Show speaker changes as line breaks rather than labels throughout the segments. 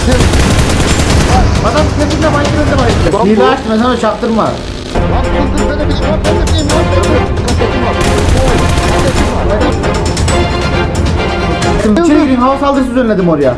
Adam kendine Minecraft'e bayılıyor. Hile açma sana çaktırma.
Lan dur ben de bileyim lan ben de bileyim lan. Kasetim var. Kasetim var.
İçeri gireyim hava saldırısı düzenledim oraya.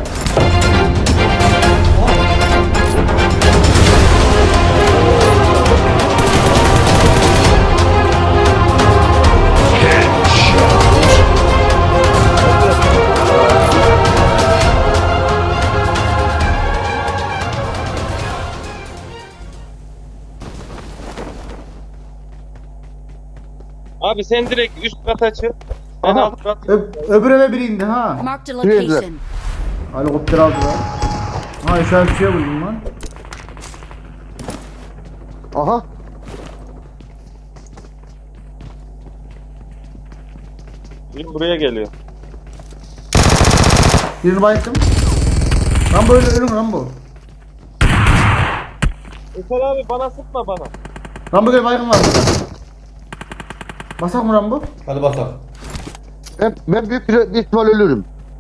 Abi sen direkt üst kata çık. Ben
Aha.
alt kat.
Öbür eve biri indi ha.
Marked a
Nereye
location.
Helikopter aldılar. Ha işaret bir şey buldum lan.
Aha.
Biri buraya geliyor.
Birini bayılttım. Lan böyle ölüm lan bu.
Eser abi bana sıkma bana.
Rambo gel baygın var burada. Basak mı Rambo?
Hadi basalım.
Ben büyük bir ihtimal ölürüm.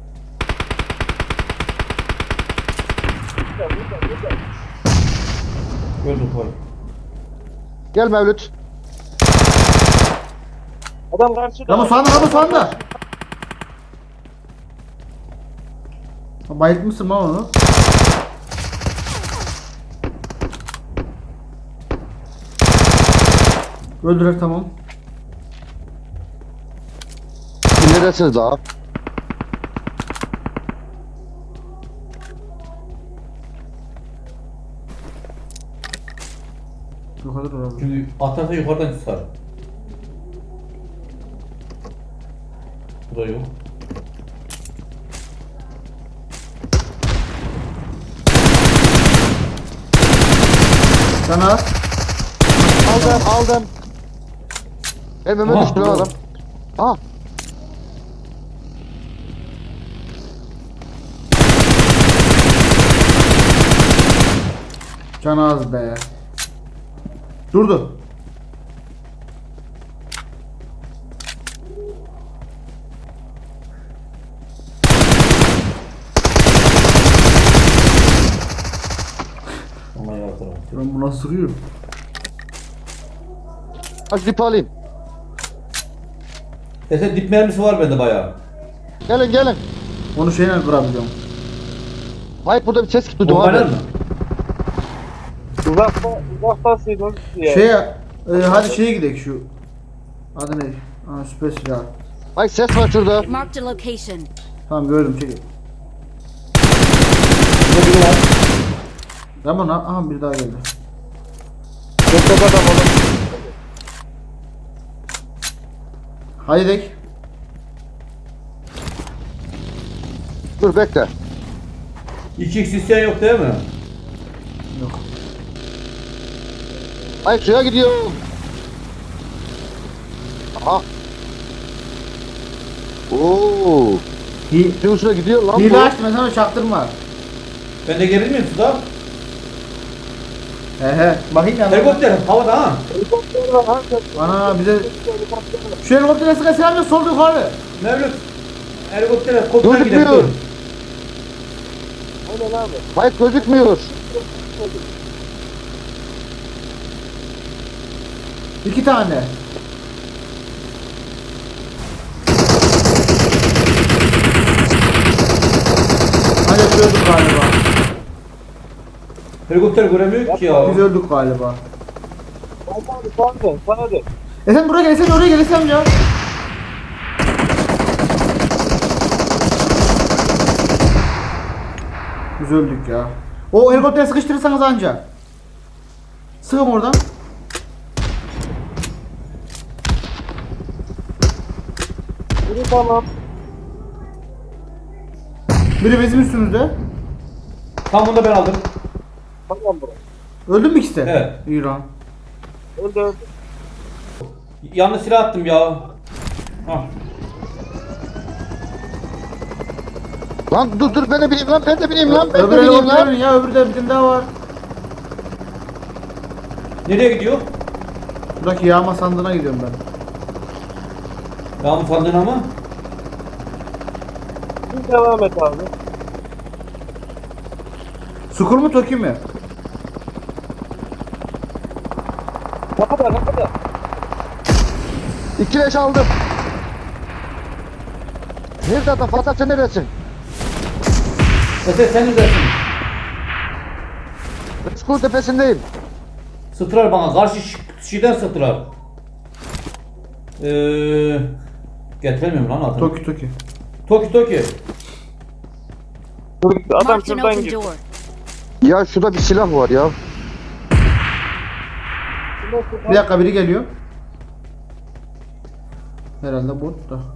Gördüm koy.
Gel Mevlüt.
Adam karşıda.
Rambo sağında Rambo sağında. Ha, bayıltmışsın lan onu. Öldürer tamam.
Neredesiniz daha?
Yukarıda dur Rambo.
Şimdi atarsa yukarıdan tutar. Bu da yok.
Sen az.
Aldım. Önüme
Aha,
düştü lan
doğru.
adam. Aha.
Can az be. Durdu.
Ama yardım.
Ben buna sıkıyor.
Aç dip alayım.
Sen dip mermisi var bende bayağı.
Gelin.
Onu şeyle kırabiliyorum.
Hayır burada bir ses duydum
Bombaylar
abi.
mı?
Uzaktasıydın diye.
Hadi şeye gidelim şu. Adı ne? Aa süper silah.
Hayır ses var şurada.
Marked a location.
Tamam gördüm çekil.
Burada biri var.
Rambo aha bir daha geldi.
Çok adam oğlum.
Hadi dek.
Dur bekle.
2x isteyen yok değil mi?
Yok.
Hayır suya gidiyorum. Aha. Oo. Suyun üstüne gidiyor lan
Hile
bu.
açtım ben sana çaktırma.
Ben de gelir miyim suda?
He. Bakayım ya.
Helikopter havada ha.
Helikopter var ha.
Ana bize şu helikoptere sıkı selam yok solda yukarı.
Mevlüt. Helikoptere kopter gidelim.
Gözükmüyor.
Dur.
Aynen abi.
Hayır gözükmüyor.
İki tane. Hadi biz öldük galiba.
Helikopter göremiyor ki ya.
Biz öldük galiba.
Sana de.
Sen buraya gel, sen oraya gel, sen ya. Biz öldük ya. O helikoptere sıkıştırırsanız anca. Sığım oradan.
Biri tamam.
Biri bizim üstümüzde.
Tam bunu da ben aldım.
Tamam bro.
Öldün mü ikisi de?
Evet.
İran.
Öldü.
Yanlış silah attım ya. Ah.
Lan dur ben de bileyim lan ben de bileyim lan ben de
Öbür
bileyim
helikopterin
lan.
ya, öbürü de bir tane daha var.
Nereye gidiyor?
Buradaki yağma sandığına gidiyorum ben.
Yağmur sandığına mı?
Siz devam et abi.
Skull mu Toki mi?
Kapıda kapıda.
2 leş aldım. Nerede adam? Fatih sen neredesin?
Eser sen neredesin?
Skul tepesindeyim.
Sıktılar bana. Karşı şeyden sıktılar. Getiremiyorum lan adını.
Toki Toki.
Toki.
Adam
Marked an
şuradan
open
gir.
door.
Ya şurada bir silah var ya.
Bir dakika biri geliyor. Herhalde bot da.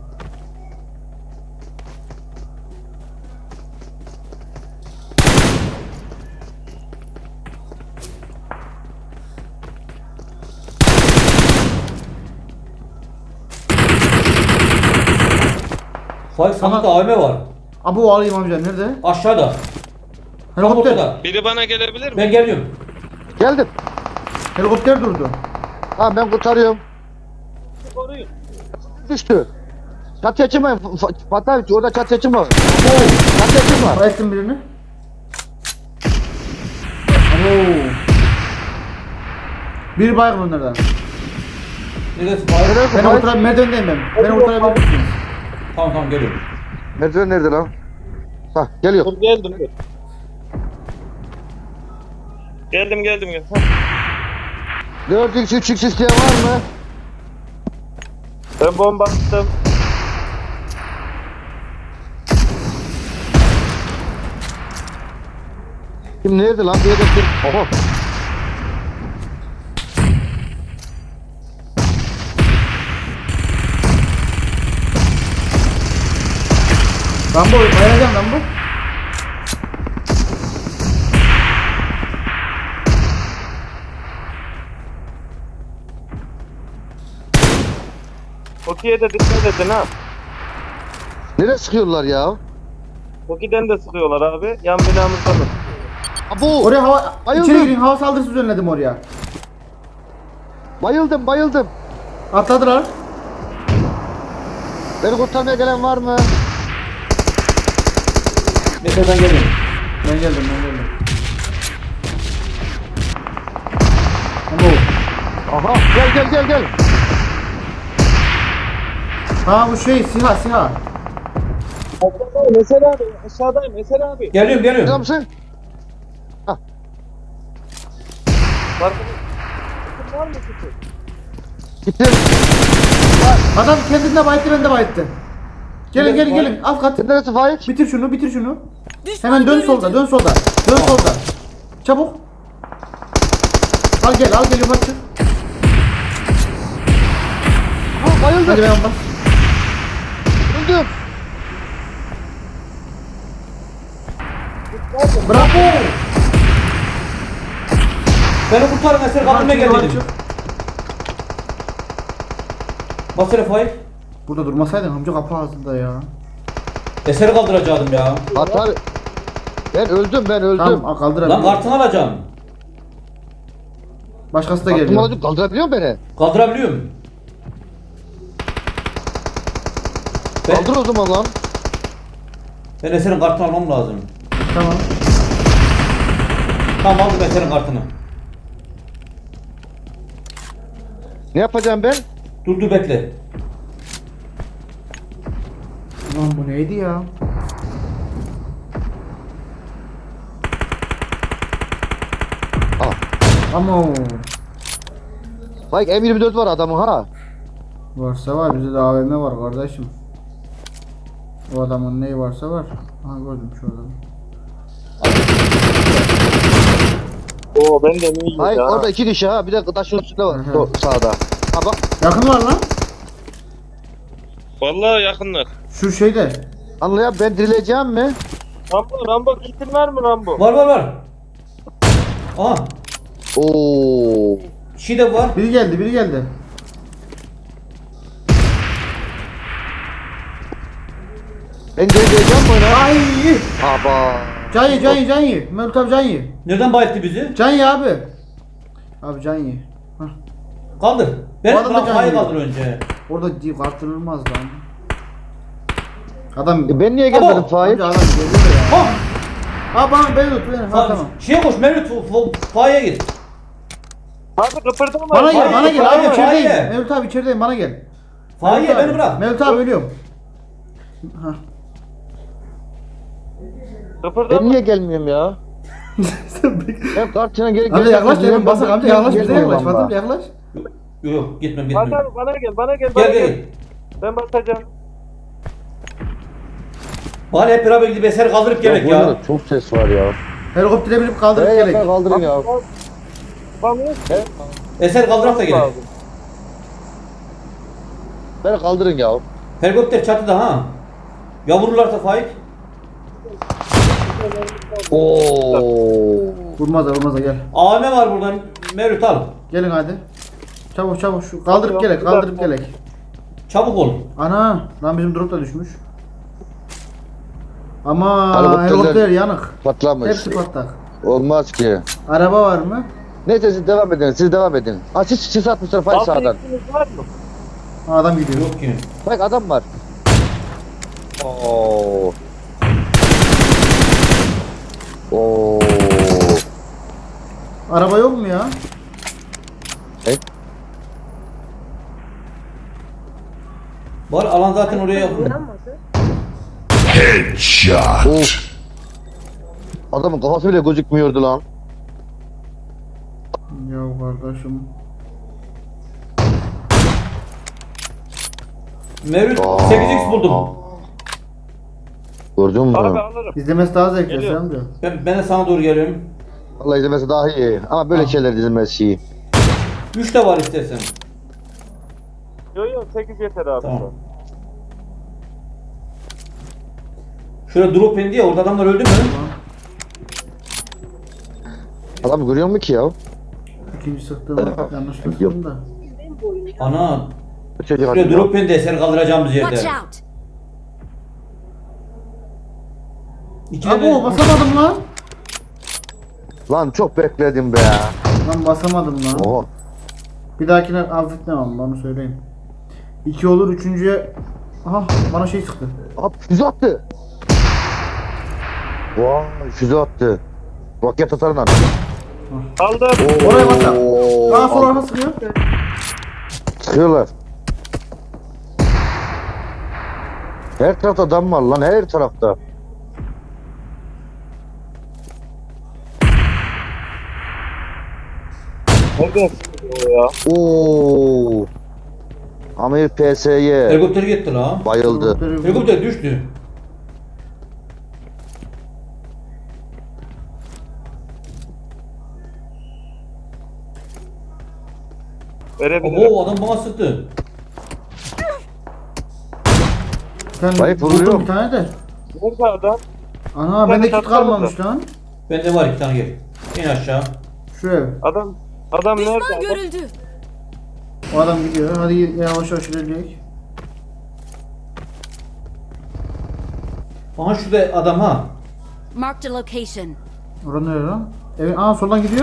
Faik sandıkta AVM var.
Abu alayım amca nerede?
Aşağıda. Tam
Helikopter.
ortada.
Biri bana gelebilir mi?
Ben geliyorum.
Geldim.
Helikopter durdu.
Tamam ben kurtarıyorum.
Koruyun.
Düştü. Çatıya çıkmayın. Fatih abi orada çatıya çıkma. Çatıya çıkma.
Bayettim birini. Abo. Bir baygın onlardan.
Neresi Faik?
Nerede
Ben
Fatih?
oturabilirim. Merdivendeyim ben. Ben oturabilir misiniz?
Tamam geliyorum.
Merdiven nerede lan? Hah geliyor.
Dur geldim dur. Geldim geldim.
4x 3x isteyen var mı?
Ben bomba attım.
Kim nerede lan? Bir yerde bir... Oha.
Rambo bayılacağım Rambo.
Toki'ye de dikkat edin ha.
Nereye sıkıyorlar ya?
Toki'den de sıkıyorlar abi. Yan binamızda mı?
Abu!
Oraya hava...
Bayıldım.
İçeri girin hava saldırısı düzenledim oraya.
Bayıldım.
Atladılar.
Beni kurtarmaya gelen var mı?
Neyse ben geliyorum.
Ben geldim. Abo.
Aha gel.
Ha bu şey siha.
Aşağıdayım Eser abi. Aşağıdayım Eser abi.
Geliyorum.
Biliyor musun?
Var mı kutu?
Gittim.
Adam kendinde bayıttı ben de bayıttı. Gelin alt kat.
Sen neresi Faik?
Bitir şunu.
Düşman
Hemen dön
görüldü.
solda. Dön solda. Çabuk. Al geliyorum aç.
Ha bayıldım.
Hadi ben bas.
Öldüm.
Bravo.
Beni kurtarın Eser kapıma gel dedim. Basere Faik.
Burada durmasaydın amca kapı ağzında ya.
Eser'i kaldıracaktım ya.
Fatih abi. Ben öldüm.
Tamam kaldırabilirim.
Lan kartını alacağım.
Başkası da
Aklım
geliyor.
alacak kaldırabiliyor musun beni?
Kaldırabiliyorum.
Kaldır o zaman lan.
Ben Eser'in kartını almam lazım.
Tamam.
Tamam aldım Eser'in kartını.
Ne yapacağım ben?
Dur bekle.
Lan bu neydi ya?
Al.
Ama
Faik M24 var adamın ha.
varsa var bizde de AVM var kardeşim. O adamın neyi varsa var. Ha gördüm şu adamı.
Oo ben de iyiyim
Faik
ya.
orada 2 kişi ha. Bir de taşın üstünde var.
Hı hı.
Sağda. Ha bak.
Yakın var lan.
Vallahi yakınlar.
Şu şeyde.
Anlayan ben dirileceğim mi?
Rambo kitin var mı Rambo?
Var. Aha.
Oo.
Şey de var.
Biri geldi.
Ben dirileceğim mi oyuna?
Ay!
Aba.
Can ye. Mevlüt abi can ye.
Nereden bayılttı bizi?
Can ye abi. Abi can ye. Hah.
Kaldır. Ben
Bu adam da
bırak
can
Faik'i
yiyor.
kaldır önce.
Orada değil artırılmaz lan. Adam
Ben niye gelmedim
Abo.
Faik?
Amca adam geliyor ya.
Ha!
Ha bana beni tut beni. Ha tamam.
Şeye koş Mevlüt faya git.
Abi kıpırdama.
Bana gel,
Hayır,
bana gel.
hayır,
Abi içerideyim.
hayır.
Mevlüt abi içerideyim, bana gel.
Faya
Mevlüt abi.
beni bırak.
Mevlüt abi ölüyorum. Ha.
Ben
Kıpırdama.
niye gelmiyorum ya? Ben kartına geri
Amca yaklaş dedim, basak amca yaklaş, bize yaklaş.
Gelmiyorum
Fatih
ama.
yaklaş.
Yok gitmem
Fatih
gitmem.
abi bana gel, bana gel.
Gel
bana
gel.
Ben basacağım.
Bari hep beraber gidip eser kaldırıp gelek
burada
ya.
da çok ses var ya.
Helikoptere binip kaldırıp
Hey
gerek.
yakar kaldırın ya.
Bana
He?
Eser kaldırak da gerek.
Beni kaldırın ya.
Helikopter çatıda ha. Ya vururlarsa Faik.
Oo.
Vurmaz gel.
AM var buradan. Mevlüt al.
Gelin hadi. Çabuk çabuk şu kaldırıp gerek, kaldırıp gerek.
Çabuk ol.
Ana lan bizim drop da düşmüş. Ama
Helikopterler-
helikopter yanık.
Patlamış.
Hepsi patlak.
Olmaz ki.
Araba var mı?
Neyse siz devam edin. Siz devam edin. Aa siz atmışlar Faik
Altı
sağdan.
iksiniz var mı?
Ha, adam gidiyor.
Yok ki.
Faik adam var. Oo. Oo.
Araba yok mu ya?
Var alan zaten oraya
Headshot.
Of. Adamın kafası bile gözükmüyordu lan.
Ya kardeşim.
Mevlüt
Aa.
8x buldum.
Gördün mü?
Abi alırım.
İzlemesi daha zevkli
Geliyor.
sen diyor.
Ben de sana doğru geliyorum.
Vallahi izlemesi daha iyi. Ama böyle şeyler izlemesi iyi.
3 de var istersen.
Yok 8 yeter abi.
Tamam. Şöyle drop indi ya, orada adamlar öldü mü?
Adam görüyor mu ki ya?
İkinci sıktığımı yanlış sıktım da.
Ana.
Çocuk
Şöyle
adam ya.
drop indi, eser kaldıracağımız
Watch
yerde.
out!
İki
Abi
tane...
basamadım lan.
Lan çok bekledim be.
Lan basamadım lan.
Oha.
Bir dahakine affetmem bana söyleyeyim. 2 olur, üçüncüye... Aha bana şey sıktı.
Abi füze attı. Vay füze attı. Roket atarından.
Aldım.
Oraya baksana.
Oo.
Aa sol arka sıkıyor.
Sıkıyorlar. Her tarafta adam var lan, her tarafta.
Nereden sıkıyor ya?
Oo. Amir PSY
Helikopter gitti la.
bayıldı.
Helikopter düştü.
Verebilirim.
Oo, adam bana sıktı.
Sen
Bayık
vurdun
vuruyor.
bir tane de.
Nerede adam?
Ana
Bir
bende
tane
kit
tatlı
kalmamış lan.
Bende var 2 tane gel. İn aşağı.
Şu ev.
Adam nerede?
Düşman
Adam?
görüldü.
O adam gidiyor. Hadi yavaş yavaş ilerleyelim.
Aha şurada adam ha.
Marked a location.
Orada nereye lan? Evet, aa soldan gidiyor.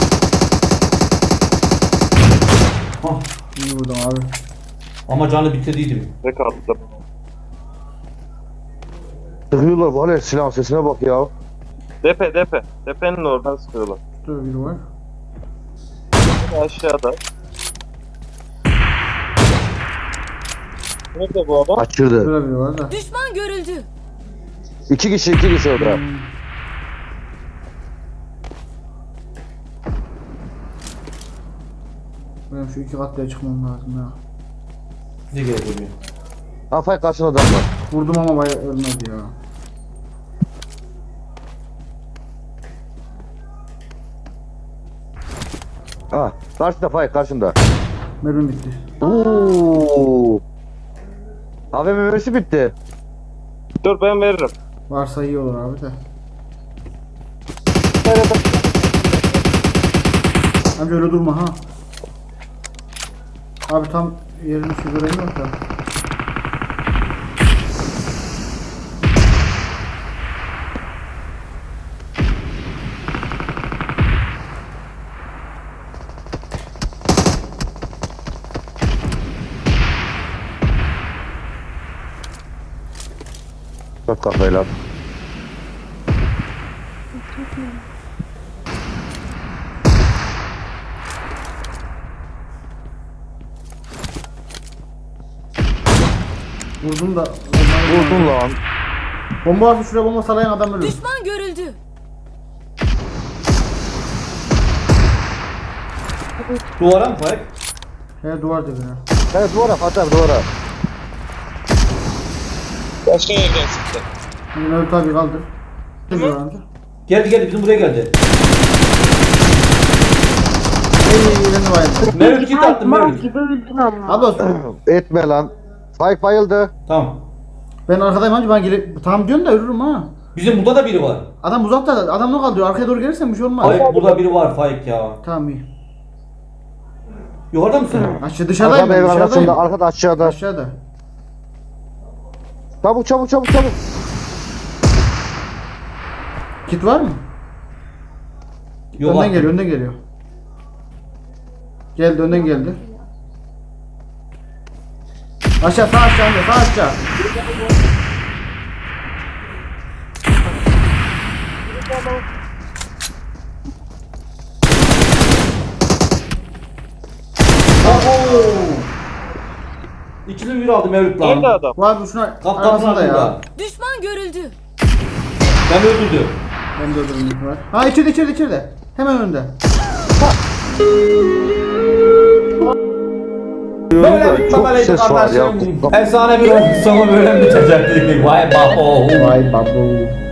Hah.
İyi vurdum abi.
Ama canı bitirdiydim.
Ne kaldı?
Sıkıyorlar var ya, silah sesine bak ya.
Depe. Depenin oradan sıkıyorlar.
Şurada biri var.
Aşağıda. Nerede bu adam?
Kaçırdı.
Şurada biri var da.
Düşman görüldü.
İki kişi orada.
Benim şu iki katlıya çıkmam lazım ya.
Bize geliyor.
Afay karşında adam var.
Vurdum ama bayağı ölmedi ya.
Ha, karşında Fay karşında.
Mermim bitti.
Oo. AVM memesi bitti.
Dur ben veririm.
Varsa iyi olur abi de. Amca öyle durma ha. Abi tam yerini şu göreyim yok da.
Bak kafayla.
Vurdum da.
Vurdun lan.
Bomba varsa şuraya bomba salayan adam ölür.
Düşman görüldü.
Duvara mı Faik?
He duvar dibine.
Evet duvara Fatih abi duvara.
Başka yerden sıktı.
Şimdi Mevlüt abi kaldır. Ne diyor amca?
Geldi bizim buraya geldi.
Elini bayıldı.
Mevlüt git attım Mevlüt.
gibi öldün ama.
Abi olsun.
Etme lan. Faik bayıldı.
Tamam.
Ben arkadayım amca ben gelip tamam diyorsun da ölürüm ha.
Bizim burada da biri var.
Adam uzakta adam ne kaldı diyor arkaya doğru gelirsen bir şey olmaz.
Faik burada biri var Faik ya.
Tamam iyi.
Yukarıda mısın?
Aşağı dışarıdayım
Adam
ben
ev arasında
dışarıdayım.
arkada aşağıda.
Aşağıda.
Çabuk çabuk çabuk çabuk.
Kit var mı?
Yok
Önden
attım.
geliyor önden geliyor. Geldi önden geldi. Aşağı sağ aşağı amca sağ aşağı.
Oo. İkili bir aldı Mevlüt lan.
Nerede adam?
Bu abi şuna
Kaptanın
arasında ya.
altında.
Düşman görüldü.
Ben öldürdüm.
Ben de öldürdüm var. Ha içeride. Hemen önde.
Böyle bir
Çok
kameraydı
ses var ya.
kardeşim. Efsane bir oyun sonu böyle bitecekti. Vay babo.
Vay babu.